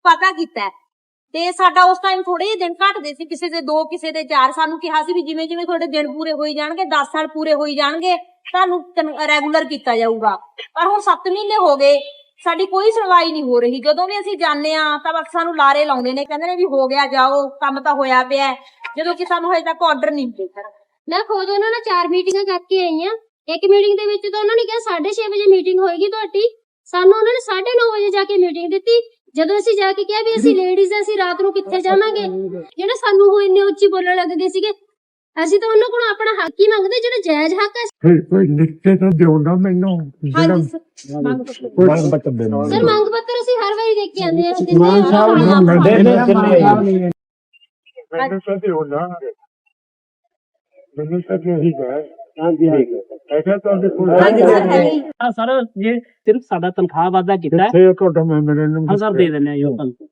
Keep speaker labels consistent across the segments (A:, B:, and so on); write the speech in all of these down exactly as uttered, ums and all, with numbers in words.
A: ਪਤਾ ਕੀਤਾ ਤੇ ਸਾਡਾ ਉਸ ਟਾਈਮ ਥੋੜੇ ਜਿਹੇ ਦਿਨ ਘਟਦੇ ਸੀ, ਕਿਸੇ ਦੇ ਦੋ ਕਿਸੇ ਦੇ ਚਾਰ। ਸਾਨੂੰ ਕਿਹਾ ਸੀ ਵੀ ਜਿਵੇਂ ਜਿਵੇਂ ਤੁਹਾਡੇ ਦਿਨ ਪੂਰੇ ਹੋਈ ਜਾਣਗੇ, ਦਸ ਸਾਲ ਪੂਰੇ ਹੋਈ ਜਾਣਗੇ, ਤੁਹਾਨੂੰ ਰੈਗੂਲਰ ਕੀਤਾ ਜਾਊਗਾ। ਪਰ ਹੁਣ ਸੱਤ ਮਹੀਨੇ ਹੋ ਗਏ, ਸਾਡੀ ਕੋਈ ਸੁਣਵਾਈ ਨਹੀਂ ਹੋ ਰਹੀ। ਜਦੋਂ ਵੀ ਅਸੀਂ ਜਾਂਦੇ ਆ ਤਾਂ ਬਸ ਸਾਨੂੰ ਲਾਰੇ ਲਾਉਂਦੇ ਨੇ, ਕਹਿੰਦੇ ਨੇ ਵੀ ਹੋ ਗਿਆ, ਜਾਓ, ਕੰਮ ਤਾਂ ਹੋਇਆ ਪਿਆ, ਜਦੋਂ ਕਿ ਸਾਨੂੰ ਹਜੇ ਤੱਕ ਆਰਡਰ ਨਹੀਂ ਮਿਲੇ। ਸਰ
B: ਮੈਂ ਖੁਦ ਉਹਨਾਂ ਨਾਲ ਚਾਰ ਮੀਟਿੰਗਾਂ ਕਰਕੇ ਆਈ ਆ। ਇੱਕ ਮੀਟਿੰਗ ਦੇ ਵਿੱਚ ਤਾਂ ਉਹਨਾਂ ਨੇ ਕਿਹਾ ਸਾਢੇ ਛੇ ਵਜੇ ਮੀਟਿੰਗ ਹੋਏਗੀ ਤੁਹਾਡੀ, ਸਾਨੂੰ ਉਹਨਾਂ ਨੇ ਸਾਢੇ ਨੌ ਵਜੇ ਜਾ ਕੇ ਮੀਟਿੰਗ ਦਿੱਤੀ। ਜਦੋਂ ਅਸੀਂ ਜਾ ਕੇ ਕਿਹਾ ਵੀ ਅਸੀਂ ਲੇਡੀਜ਼ ਅਸੀਂ ਰਾਤ ਨੂੰ ਕਿੱਥੇ ਜਾਵਾਂਗੇ, ਜਿਹੜੇ ਸਾਨੂੰ ਉਹ ਇੰਨੇ ਉੱਚੀ ਬੋਲਣ ਲੱਗ ਗਏ ਸੀਗੇ। ਅਸੀਂ ਤਾਂ ਉਹਨਾਂ ਕੋਲੋਂ ਆਪਣਾ ਹੱਕ ਹੀ ਮੰਗਦੇ, ਜਿਹੜਾ ਜਾਇਜ਼ ਹੱਕ ਹੈ।
C: ਫਿਰ ਕੋਈ ਲਿਖ ਕੇ ਤਾਂ ਦਿਓ ਨਾ ਮੈਨੂੰ, ਜਿਹੜਾ
A: ਹਾਂਜੀ ਸਰ, ਮੰਗ ਪੱਤਰ
C: ਮੰਗ ਪੱਤਰ ਦੇਣਾ।
B: ਸਰ ਮੰਗ ਪੱਤਰ ਅਸੀਂ ਹਰ ਵਾਰੀ ਦੇਖ ਕੇ ਆਉਂਦੇ ਆ।
C: ਮਾਨ ਸਾਹਿਬ ਨੂੰ ਮਿਲਦੇ ਨੇ ਕਿੰਨੇ ਮੈਨੂੰ ਤਾਂ ਦਿਓ ਨਾ, ਮੈਨੂੰ ਤਾਂ ਇਹੀ ਹੈ। ਹਾਂਜੀ ਹਾਂਜੀ ਐਸਾ ਤੁਹਾਡੇ ਕੋਲ
D: ਹਾਂ ਸਰ, ਜੇ ਸਿਰਫ ਸਾਡਾ ਤਨਖਾਹ ਵਾਧਾ ਕੀਤਾ ਹੈ,
C: ਸੇ ਤੁਹਾਡਾ ਮੈਂ ਮੇਰੇ ਨੂੰ
D: ਹਾਂ ਸਰ ਦੇ ਦਿੰਦੇ ਆ ਜੀ ਉਹ ਤੁਹਾਨੂੰ।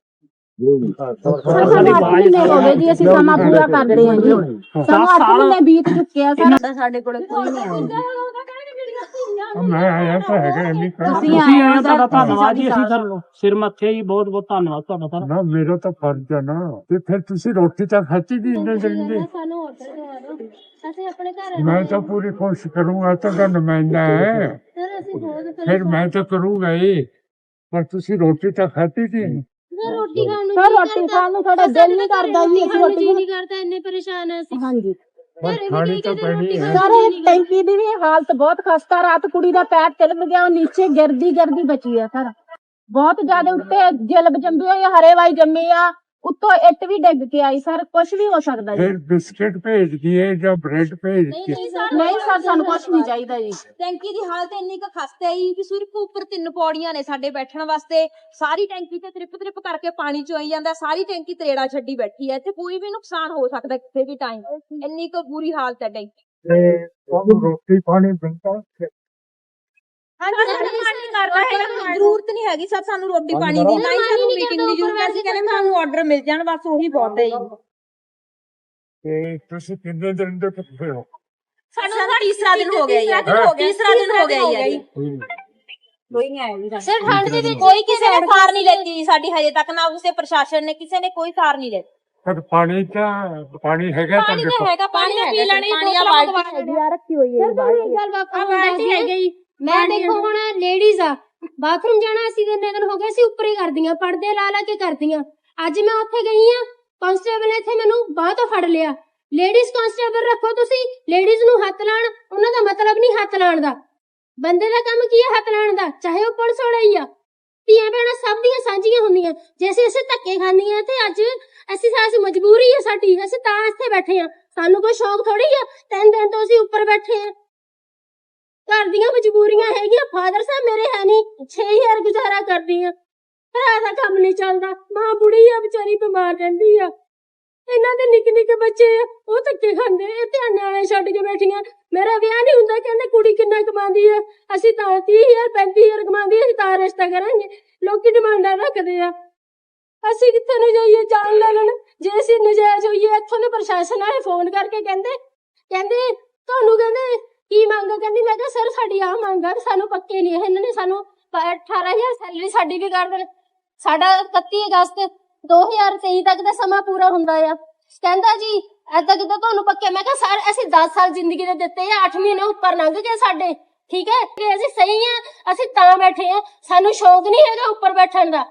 E: ਅਸੀਂ ਸਮਾਂ ਪੂਰਾ ਕਰਦੇ ਹਾਂ ਜੀ, ਸਾਨੂੰ ਅੱਠ ਮਹੀਨੇ ਬੀਤ ਚੁੱਕੇ ਆ ਸਰ।
A: ਸਾਡੇ ਕੋਲ ਕੋਈ ਨਹੀਂ ਆਉਂਦਾ।
C: ਮੈਂ ਆਇਆ ਤਾਂ ਹੈਗਾ ਇੰਨੀ
D: ਤੁਸੀਂ ਆਏ ਹੋ, ਤੁਹਾਡਾ ਧੰਨਵਾਦ ਜੀ। ਅਸੀਂ ਸਰ ਸਿਰ ਮੱਥੇ ਜੀ, ਬਹੁਤ ਬਹੁਤ ਧੰਨਵਾਦ ਤੁਹਾਡਾ ਸਰ।
C: ਨਾ ਮੇਰਾ ਤਾਂ ਫਰਜ਼ ਹੈ ਨਾ। ਤੇ ਫਿਰ ਤੁਸੀਂ ਰੋਟੀ ਤਾਂ ਖਾਤੀ ਦੀ ਇੰਨੇ ਦਿਨ ਦੀ।
B: ਸਾਨੂੰ ਆਰਡਰ ਦਵਾ ਦਿਓ, ਅਸੀਂ ਆਪਣੇ ਘਰ
C: ਮੈਂ ਤਾਂ ਪੂਰੀ ਕੋਸ਼ਿਸ਼ ਕਰੂੰਗਾ, ਤੁਹਾਡਾ ਨੁਮਾਇੰਦਾ ਹੈ
B: ਸਰ। ਅਸੀਂ ਬਹੁਤ
C: ਫਿਰ ਮੈਂ ਤਾਂ ਕਰੂੰਗਾ ਹੀ, ਪਰ ਤੁਸੀਂ ਰੋਟੀ ਤਾਂ ਖਾਤੀ ਦੀ।
B: ਸਰ ਰੋਟੀ ਖਾਣ ਨੂੰ
E: ਸਰ ਰੋਟੀ ਖਾਣ ਨੂੰ ਸਾਡਾ ਦਿਲ ਨਹੀਂ ਕਰਦਾ ਜੀ, ਅਸੀਂ ਰੋਟੀ
B: ਨਹੀਂ ਕਰਦਾ, ਇੰਨੇ ਪਰੇਸ਼ਾਨ ਆ ਅਸੀਂ।
E: ਹਾਂਜੀ
C: ਪਰ ਖਾਣੀ ਤਾਂ ਪੈਣੀ ਹੈ।
E: ਸਰ ਇਹ ਟੈਂਕੀ ਦੀ ਵੀ ਹਾਲਤ ਬਹੁਤ ਖਸਤਾ। ਰਾਤ ਕੁੜੀ ਦਾ ਪੈਰ ਤਿਲਮ ਗਿਆ, ਉਹ ਨੀਚੇ ਗਿਰਦੀ ਗਿਰਦੀ ਬਚੀ ਆ ਸਰ। ਬਹੁਤ ਜ਼ਿਆਦਾ ਉੱਤੇ ਜਲਬ ਜੰਮੀ ਹੋਈ, ਹਰੇਵਾਈ ਜੰਮੀ ਆ, ਉੱਤੋਂ ਇੱਟ ਵੀ ਡਿੱਗ ਕੇ ਆਈ ਸਰ। ਕੁਝ ਵੀ ਹੋ ਸਕਦਾ ਜੀ।
C: ਫਿਰ ਬਿਸਕਿਟ ਭੇਜ ਦਈਏ ਜਾਂ ਬ੍ਰੈਡ ਭੇਜ ਦਈਏ।
E: ਨਹੀਂ ਸਰ, ਸਾਨੂੰ ਕੁਝ ਨਹੀਂ ਚਾਹੀਦਾ ਜੀ।
A: ਟੈਂਕੀ ਦੀ ਹਾਲਤ ਇੰਨੀ ਕੁ ਖਸਤਾ ਹੈ ਵੀ ਸਿਰਫ ਉੱਪਰ ਤਿੰਨ ਪੌੜੀਆਂ ਨੇ ਸਾਡੇ ਬੈਠਣ ਵਾਸਤੇ। ਸਾਰੀ ਟੈਂਕੀ ਤੇ ਤ੍ਰਿਪ ਤ੍ਰਿਪ ਕਰਕੇ ਪਾਣੀ ਚੋਈ ਜਾਂਦਾ, ਸਾਰੀ ਟੈਂਕੀ ਤਰੇੜਾ ਛੱਡੀ ਬੈਠੀ ਹੈ। ਇੱਥੇ ਕੋਈ ਵੀ ਨੁਕਸਾਨ ਹੋ ਸਕਦਾ ਕਿਸੇ ਵੀ ਟਾਈਮ, ਇੰਨੀ ਕੁ ਬੁਰੀ ਹਾਲਤ ਹੈ ਟੈਂਕੀ।
C: ਤੇ ਤੁਹਾਨੂੰ ਰੋਟੀ ਪਾਣੀ ਮਿਲਦਾ ਉੱਥੇ?
A: ਜ਼ਰੂਰਤ ਨਹੀਂ ਹੈਗੀ ਸਰ ਸਾਨੂੰ ਰੋਟੀ ਪਾਣੀ ਦੀ, ਨਾ ਹੀ ਸਾਨੂੰ ਮੀਟਿੰਗ ਦੀ ਜ਼ਰੂਰਤ ਹੈ। ਅਸੀਂ ਕਹਿੰਦੇ ਸਾਨੂੰ ਆਰਡਰ ਮਿਲ ਜਾਣ, ਬਸ ਉਹੀ ਬਹੁਤ ਹੈ ਜੀ।
C: ਤੇ ਤੁਸੀਂ ਕਿੰਨੇ ਦਿਨ ਦੇ ਭੁੱਖੇ ਹੋ?
A: ਸਾਨੂੰ ਤੀਸਰਾ ਦਿਨ ਹੋ ਗਿਆ ਜੀ, ਤੀਸਰਾ ਦਿਨ ਹੋ ਗਿਆ ਜੀ। ਕੋਈ ਨਹੀਂ ਆਇਆ ਜੀ
B: ਸਰ ਠੰਡ ਦੇ ਵਿੱਚ
A: ਕੋਈ ਕਿਸੇ ਨੇ ਸਾਰ ਨਹੀਂ ਲੈਤੀ ਜੀ ਸਾਡੀ ਹਜੇ ਤੱਕ, ਨਾ ਉਸੇ ਪ੍ਰਸ਼ਾਸਨ ਨੇ, ਕਿਸੇ ਨੇ ਕੋਈ ਸਾਰ ਨਹੀਂ ਲੈਤੀ।
C: ਪਰ ਪਾਣੀ ਤਾਂ ਪਾਣੀ ਹੈਗਾ ਤਾਂ
A: ਪਾਣੀ ਤਾਂ
C: ਦੇਖੋ।
A: ਹੈਗਾ, ਪਾਣੀ ਪੀ ਲੈਣੀ, ਪਾਣੀ ਆ ਬਾਲਟੀ ਆ ਰੱਖੀ ਹੋਈ ਹੈ।
B: ਸਰ ਤੁਹਾਨੂੰ ਇੱਕ ਗੱਲ ਬਾਪੂ ਬਾਲਟੀ ਹੈਗੀ ਜੀ। ਮੈਂ ਦੇਖੋ ਹੁਣ ਲੇਡੀਜ਼ ਆ, ਬਾਥਰੂਮ ਜਾਣਾ ਅਸੀਂ ਕਿੰਨੇ ਦਿਨ ਹੋ ਗਏ ਅਸੀਂ ਉੱਪਰ ਹੀ ਕਰਦੀਆਂ, ਪਰਦੇ ਲਾ ਲਾ ਕੇ ਕਰਦੀਆਂ। ਅੱਜ ਮੈਂ ਉੱਥੇ ਗਈ ਆ, ਕਾਂਸਟੇਬਲ ਨੇ ਇੱਥੇ ਮੈਨੂੰ ਬਾਹ ਤੋਂ ਫੜ ਲਿਆ। ਲੇਡੀਜ਼ ਕਾਂਸਟੇਬਲ ਰੱਖੋ ਤੁਸੀਂ, ਲੇਡੀਜ਼ ਨੂੰ ਹੱਥ ਲਾਣ, ਉਹਨਾਂ ਦਾ ਮਤਲਬ ਨਹੀਂ ਹੱਥ ਲਾਣ ਦਾ। ਬੰਦੇ ਦਾ ਕੰਮ ਕੀ ਹੈ ਹੱਥ ਲਾਣ ਦਾ, ਚਾਹੇ ਉਹ ਪੁਲਿਸ ਵਾਲਾ ਹੀ ਆ। ਧੀਆਂ ਭੈਣਾਂ ਸਭ ਦੀਆਂ ਸਾਂਝੀਆਂ ਹੁੰਦੀਆਂ। ਜੇ ਅਸੀਂ ਅਸੀਂ ਧੱਕੇ ਖਾਂਦੀਆਂ ਤੇ ਅੱਜ ਅਸੀਂ ਸਾਡੀ ਮਜਬੂਰੀ ਹੈ ਸਾਡੀ, ਅਸੀਂ ਤਾਂ ਇੱਥੇ ਬੈਠੇ ਆ। ਸਾਨੂੰ ਕੋਈ ਸ਼ੌਕ ਥੋੜੀ ਆ, ਤਿੰਨ ਦਿਨ ਤੋਂ ਅਸੀਂ ਉੱਪਰ ਬੈਠੇ ਆ। ਘਰ ਦੀਆਂ ਮਜਬੂਰੀਆਂ ਹੈਗੀਆਂ। ਫਾਦਰ ਸਾਹਿਬ ਮੇਰੇ ਹੈ ਨਹੀਂ, ਛੇ ਹਜ਼ਾਰ ਗੁਜ਼ਾਰਾ ਕਰਦੀ ਆ, ਭਰਾ ਦਾ ਕੰਮ ਨਹੀਂ ਚੱਲਦਾ, ਮਾਂ ਬੁੜੀ ਆ ਵਿਚਾਰੀ, ਬਿਮਾਰ ਰਹਿੰਦੀ ਆ। ਇਹਨਾਂ ਦੇ ਨਿੱਕੇ ਨਿੱਕੇ ਬੱਚੇ ਆ, ਉਹ ਧੱਕੇ ਖਾਂਦੇ, ਇਹ ਧਿਆਨ ਵਾਲੇ ਛੱਡ ਕੇ ਬੈਠੀਆਂ। ਮੇਰਾ ਵਿਆਹ ਨਹੀਂ ਹੁੰਦਾ, ਕਹਿੰਦੇ ਕੁੜੀ ਕਿੰਨਾ ਕਮਾਉਂਦੀ ਆ, ਅਸੀਂ ਤਾਂ ਤੀਹ ਹਜ਼ਾਰ ਪੈਂਤੀ ਹਜ਼ਾਰ ਕਮਾਉਂਦੀ, ਅਸੀਂ ਤਾਂ ਰਿਸ਼ਤਾ ਕਰਾਂਗੇ। ਲੋਕੀ ਡਿਮਾਂਡਾਂ ਰੱਖਦੇ ਆ, ਅਸੀਂ ਕਿੱਥੇ ਨੂੰ ਜਾਈਏ, ਜਾਣ ਲੈਣ। ਜੇ ਅਸੀਂ ਨਜਾਇਜ਼ ਹੋਈਏ, ਇੱਥੋਂ ਦੇ ਪ੍ਰਸ਼ਾਸਨ ਵਾਲੇ ਫੋਨ ਕਰਕੇ ਕਹਿੰਦੇ ਕਹਿੰਦੇ ਤੁਹਾਨੂੰ ਕਹਿੰਦੇ ਕੀ ਮੰਗ, ਕਹਿੰਦੀ ਮੈਂ ਕਿਹਾ ਸਰ ਸਾਡੀ ਆਹ ਮੰਗ ਆ, ਸਾਨੂੰ ਪੱਕੇ ਨਹੀਂ ਇਹਨਾਂ ਨੇ ਸਾਨੂੰ ਅਠਾਰਾਂ ਹਜ਼ਾਰ ਸੈਲਰੀ ਸਾਡੀ ਵੀ ਕਰ ਦੇਣ। ਸਾਡਾ ਇਕੱਤੀ ਅਗਸਤ ਦੋ ਹਜ਼ਾਰ ਤੇਈ ਤੱਕ ਦਾ ਸਮਾਂ ਪੂਰਾ ਹੁੰਦਾ ਆ। ਕਹਿੰਦਾ ਜੀ ਏਦਾਂ ਕਿੱਦਾਂ ਤੁਹਾਨੂੰ ਪੱਕੇ? ਮੈਂ ਕਿਹਾ ਸਰ ਅਸੀਂ ਦਸ ਸਾਲ ਜ਼ਿੰਦਗੀ ਦੇ ਦਿੱਤੇ ਆ, ਅੱਠ ਮਹੀਨੇ ਉੱਪਰ ਲੰਘ ਗਏ ਸਾਡੇ, ਠੀਕ ਹੈ ਕਿ ਅਸੀਂ ਸਹੀ ਆ, ਅਸੀਂ ਤਾਂ ਬੈਠੇ ਆ, ਸਾਨੂੰ ਸ਼ੌਕ ਨਹੀਂ ਹੈਗਾ ਉੱਪਰ ਬੈਠਣ ਦਾ।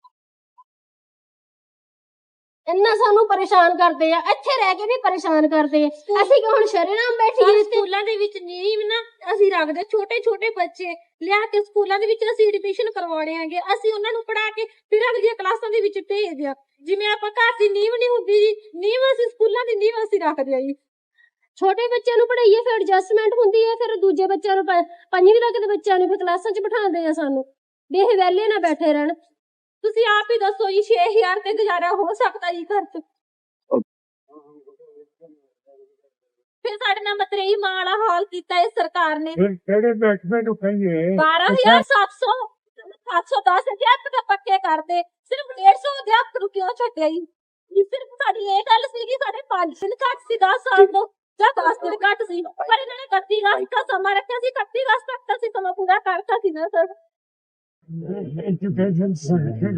B: ਇੰਨਾ ਸਾਨੂੰ ਪਰੇਸ਼ਾਨ ਕਰਦੇ ਆ, ਇੱਥੇ ਰਹਿ ਕੇ ਵੀ ਪਰੇਸ਼ਾਨ ਕਰਦੇ ਆ। ਅਸੀਂ ਕਿ ਹੁਣ ਸ਼ਰੇਆਮ ਬੈਠੀਏ।
A: ਸਕੂਲਾਂ ਦੇ ਵਿੱਚ ਨਹੀਂ ਨਾ ਅਸੀਂ ਰੱਖਦੇ, ਛੋਟੇ ਛੋਟੇ ਬੱਚੇ ਲਿਆ ਕੇ ਸਕੂਲਾਂ ਦੇ ਵਿੱਚ ਅਸੀਂ ਐਡਮਿਸ਼ਨ ਕਰਵਾਉਣੇ ਆਂਗੇ, ਅਸੀਂ ਉਹਨਾਂ ਨੂੰ ਪੜਾ ਕੇ ਫਿਰ ਅਗਲੀਆਂ ਕਲਾਸਾਂ ਦੇ ਵਿੱਚ ਭੇਜਦੇ ਆ। ਜਿਵੇਂ ਆਪਾਂ ਘਰ ਦੀ ਨੀਂਹ ਨਹੀਂ ਹੁੰਦੀ ਜੀ, ਨੀਂਹ ਅਸੀਂ ਸਕੂਲਾਂ ਦੀ ਨੀਂਹ ਅਸੀਂ ਰੱਖਦੇ ਆ ਜੀ।
B: ਛੋਟੇ ਬੱਚਿਆਂ ਨੂੰ ਪੜਾਈਏ ਫਿਰ ਐਡਜਸਟਮੈਂਟ ਹੁੰਦੀ ਹੈ, ਫਿਰ ਦੂਜੇ ਬੱਚਿਆਂ ਨੂੰ ਪੰਜਵੀਂ ਤੱਕ ਦੇ ਬੱਚਿਆਂ ਨੂੰ ਫਿਰ ਕਲਾਸਾਂ 'ਚ ਬਿਠਾਉਂਦੇ ਆ ਸਾਨੂੰ, ਵੀ ਇਹ ਵਿਹਲੇ ਨਾ ਬੈਠੇ ਰਹਿਣ।
A: ਤੁਸੀਂ ਆਪ ਹੀ ਦੱਸੋ ਜੀ, ਛੇ ਹਜ਼ਾਰ ਤੇ ਗੁਜ਼ਾਰਾ ਹੋ ਸਕਦਾ ਜੀ ਘਰ 'ਚ? ਫਿਰ ਸਾਡੇ ਨਾਲ ਮਤਰੇਈ ਮਾਂ ਵਾਲਾ ਹਾਲ ਕੀਤਾ ਇਸ ਸਰਕਾਰ ਨੇ।
C: ਫਿਰ ਕਿਹੜੇ ਮਹਿਕਮੇ ਨੂੰ ਕਹੀਏ?
A: ਬਾਰਾਂ ਹਜ਼ਾਰ ਸੱਤ ਸੌ ਸੱਤ ਸੌ ਦਸ ਅਧਿਆਪਕ ਤਾਂ ਪੱਕੇ ਕਰਦੇ, ਸਿਰਫ ਡੇਢ ਸੌ ਅਧਿਆਪਕ ਨੂੰ ਕਿਉਂ ਛੱਡਿਆ ਜੀ? ਸਿਰਫ ਸਾਡੀ ਇਹ ਗੱਲ ਸੀ ਕਿ ਸਾਡੇ ਪੰਜ ਦਿਨ ਘੱਟ ਸੀ ਦਸ ਸਾਲ ਤੋਂ, ਜਾਂ ਦਸ ਦਿਨ ਘੱਟ ਸੀ, ਪਰ ਇਹਨਾਂ ਨੇ ਇਕੱਤੀ ਅਗਸਤ ਦਾ ਸਮਾਂ ਰੱਖਿਆ ਸੀ। ਇਕੱਤੀ ਅਗਸਤ ਤੱਕ ਅਸੀਂ ਸਮਾਂ ਪੂਰਾ ਕਰਤਾ ਸੀ ਨਾ ਸਰ।
C: ਐਜੂਕੇਸ਼ਨ ਸਰਟੀਫਿਕੇਟ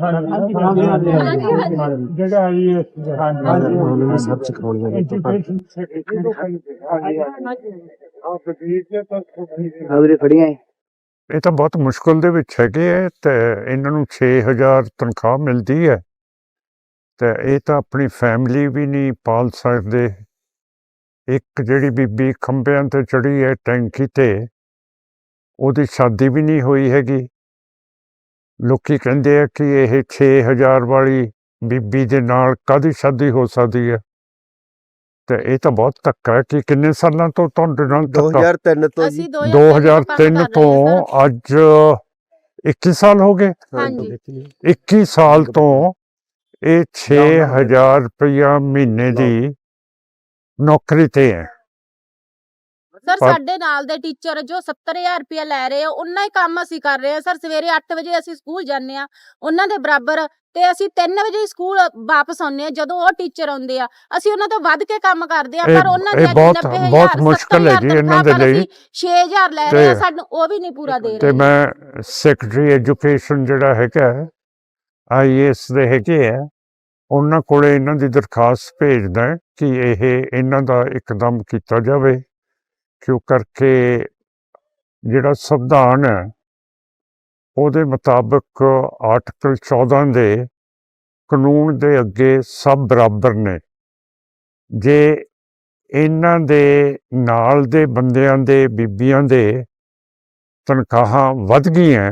D: ਹਾਂਜੀ।
C: ਜਿਹੜਾ ਇਹ
F: ਉਹਨਾਂ ਨੇ ਸਭ ਸਿਖਾਉਣੀਆਂ ਨੇ
C: ਐਜੂਕੇਸ਼ਨ ਸਰਟੀਫਿਕੇਟ
F: ਆ ਵੀਰੇ ਫੜੀਆਂ
G: ਇਹ ਤਾਂ ਬਹੁਤ ਮੁਸ਼ਕਲ ਦੇ ਵਿੱਚ ਹੈਗੇ ਹੈ ਤੇ ਇਹਨਾਂ ਨੂੰ ਛੇ ਹਜ਼ਾਰ ਤਨਖਾਹ ਮਿਲਦੀ ਹੈ ਤੇ ਇਹ ਤਾਂ ਆਪਣੀ ਫੈਮਿਲੀ ਵੀ ਨਹੀਂ ਪਾਲ ਸਕਦੇ। ਇੱਕ ਜਿਹੜੀ ਬੀਬੀ ਖੰਭਿਆਂ ਤੇ ਚੜੀ ਹੈ ਟੈਂਕੀ ਤੇ, ਉਹਦੀ ਸ਼ਾਦੀ ਵੀ ਨਹੀਂ ਹੋਈ ਹੈਗੀ। ਲੋਕੀ ਕਹਿੰਦੇ ਆ ਕਿ ਇਹ ਛੇ ਹਜ਼ਾਰ ਵਾਲੀ ਬੀਬੀ ਦੇ ਨਾਲ ਕਾਹਦੀ ਸ਼ਾਦੀ ਹੋ ਸਕਦੀ ਹੈ। ਤੇ ਇਹ ਤਾਂ ਬਹੁਤ ਧੱਕਾ ਹੈ ਕਿ ਕਿੰਨੇ ਸਾਲਾਂ ਤੋਂ ਤੁਹਾਡੇ ਨਾਲ
F: ਦੋ
G: ਧੱਕਾ
F: ਹਜ਼ਾਰ ਤਿੰਨ ਤੋਂ ਜੀ।
E: ਅਸੀਂ
G: ਦੋ ਹਜ਼ਾਰ ਤਿੰਨ ਤੋਂ ਅੱਜ ਇੱਕੀ ਸਾਲ ਹੋ ਗਏ।
E: ਹਾਂਜੀ।
G: ਇੱਕੀ ਸਾਲ ਤੋਂ ਇਹ ਛੇ ਹਜ਼ਾਰ ਰੁਪਇਆ ਮਹੀਨੇ ਦੀ ਨੌਕਰੀ ਤੇ ਹੈ।
E: ਸਰ
G: ਪਰ-
E: ਸਾਡੇ ਨਾਲ ਦੇ ਟੀਚਰ ਜੋ ਸੱਤਰ ਹਜ਼ਾਰ ਰੁਪਇਆ ਲੈ ਰਹੇ ਆ ਉਹਨਾਂ ਹੀ ਕੰਮ ਅਸੀਂ ਕਰ ਰਹੇ ਆ ਸਰ। ਸਵੇਰੇ ਅੱਠ ਵਜੇ ਅਸੀਂ ਸਕੂਲ ਜਾਂਦੇ ਆ ਉਹਨਾਂ ਦੇ ਬਰਾਬਰ, ਤੇ ਅਸੀਂ ਤਿੰਨ ਵਜੇ ਸਕੂਲ ਵਾਪਸ ਆਉਂਦੇ ਆ। ਜਦੋਂ ਉਹ ਟੀਚਰ ਆਉਂਦੇ ਆ ਅਸੀਂ ਉਹਨਾਂ ਤੋਂ ਵੱਧ ਕੇ ਕੰਮ ਕਰਦੇ ਆ,
G: ਇਹ-
E: ਪਰ ਉਹਨਾਂ
G: ਇਹ
E: ਦੀ
G: ਬਹੁਤ-
E: ਨੱਬੇ ਹਜ਼ਾਰ,
G: ਬਹੁਤ ਮੁਸ਼ਕਲ ਹੈ
E: ਸੱਤਰ
G: ਜੀ ਇਹਨਾਂ
E: ਹਜ਼ਾਰ
G: ਦੇ ਲਈ।
E: ਛੇ ਹਜ਼ਾਰ ਲੈ ਰਹੇ ਆ,
G: ਤੇ-
E: ਸਾਨੂੰ ਉਹ ਵੀ ਨਹੀਂ ਪੂਰਾ ਦੇ
G: ਤੇ
E: ਰਹੇ।
G: ਮੈਂ ਸੈਕਟਰੀ ਐਜੂਕੇਸ਼ਨ ਜਿਹੜਾ ਹੈਗਾ ਆਈ ਏ ਐਸ ਦੇ ਹੈਗੇ ਆ, ਉਹਨਾਂ ਕੋਲੇ ਇਹਨਾਂ ਦੀ ਦਰਖਾਸਤ ਭੇਜਦਾ ਹੈ ਕਿ ਇਹ ਇਹਨਾਂ ਦਾ ਇੱਕਦਮ ਕੀਤਾ ਜਾਵੇ, ਕਿਉਂ ਕਰਕੇ ਜਿਹੜਾ ਸੰਵਿਧਾਨ ਹੈ ਉਹਦੇ ਮੁਤਾਬਕ ਆਰਟੀਕਲ ਚੌਦਾਂ ਦੇ ਕਾਨੂੰਨ ਦੇ ਅੱਗੇ ਸਭ ਬਰਾਬਰ ਨੇ। ਜੇ ਇਹਨਾਂ ਦੇ ਨਾਲ ਦੇ ਬੰਦਿਆਂ ਦੇ, ਬੀਬੀਆਂ ਦੇ ਤਨਖਾਹਾਂ ਵੱਧ ਗਈਆਂ,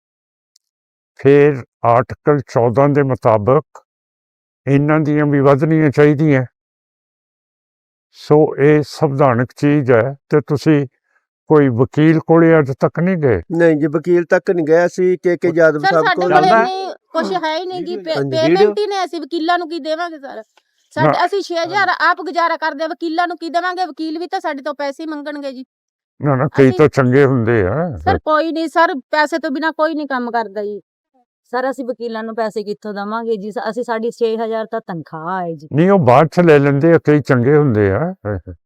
G: ਫਿਰ ਆਰਟੀਕਲ ਚੌਦਾਂ ਦੇ ਮੁਤਾਬਕ ਇਹਨਾਂ ਦੀਆਂ ਵੀ ਵਧਣੀਆਂ ਚਾਹੀਦੀਆਂ। ਸੋ ਇਹ ਸੰਵਿਧਾਨਕ ਚੀਜ਼ ਹੈ। ਤੇ ਤੁਸੀਂ ਕੋਈ ਵਕੀਲ ਕੋਲੇ ਅੱਜ ਤੱਕ ਨਹੀਂ ਗਏ?
F: ਨਹੀਂ ਜੀ, ਵਕੀਲ ਤੱਕ ਨਹੀਂ ਗਿਆ ਸੀ। ਕੇ ਕੇ ਯਾਦਵ
E: ਸਰ
F: ਸਾਹਿਬ
E: ਸਾਡੇ
F: ਕੋਲ
E: ਕੋਲ
D: ਚੱਲਦਾ?
E: ਇੰਨੀ ਕੁਝ ਹੈ ਹੀ ਨਹੀਂ ਕਿ
F: ਹਾਂਜੀ,
E: ਪੇਮੈਂਟ
F: ਵੀਡੀਓ-
E: ਹੀ ਨਹੀਂ। ਅਸੀਂ ਵਕੀਲਾਂ ਨੂੰ ਕੀ ਦੇਵਾਂਗੇ ਸਰ? ਸਾਡੇ ਅਸੀਂ ਛੇ ਹਜ਼ਾਰ ਆਪ ਗੁਜ਼ਾਰਾ ਕਰਦੇ ਆ, ਵਕੀਲਾਂ ਨੂੰ ਕੀ ਦੇਵਾਂਗੇ? ਵਕੀਲ ਵੀ ਤਾਂ ਸਾਡੇ ਤੋਂ ਪੈਸੇ ਹੀ ਮੰਗਣਗੇ ਜੀ।
G: ਨਾ ਨਾ, ਕਈ
E: ਅਸੀਂ-
G: ਤਾਂ ਚੰਗੇ ਹੁੰਦੇ ਆ।
E: ਸਰ ਕੋਈ ਨਹੀਂ ਸਰ, ਪੈਸੇ ਤੋਂ ਬਿਨਾ ਕੋਈ ਨਹੀਂ ਕੰਮ ਕਰਦਾ ਜੀ।
A: ਸਰ ਅਸੀਂ ਵਕੀਲਾਂ ਨੂੰ ਪੈਸੇ ਕਿੱਥੋਂ ਦੇਵਾਂਗੇ ਜੀ? ਅਸੀਂ ਸਾਡੀ ਛੇ ਹਜ਼ਾਰ ਤਾਂ ਤਨਖਾਹ ਹੈ ਜੀ।
G: ਨਹੀਂ, ਉਹ ਬਾਅਦ ਚ ਲੈ ਲੈਂਦੇ ਆ, ਕਈ ਚੰਗੇ ਹੁੰਦੇ ਆ।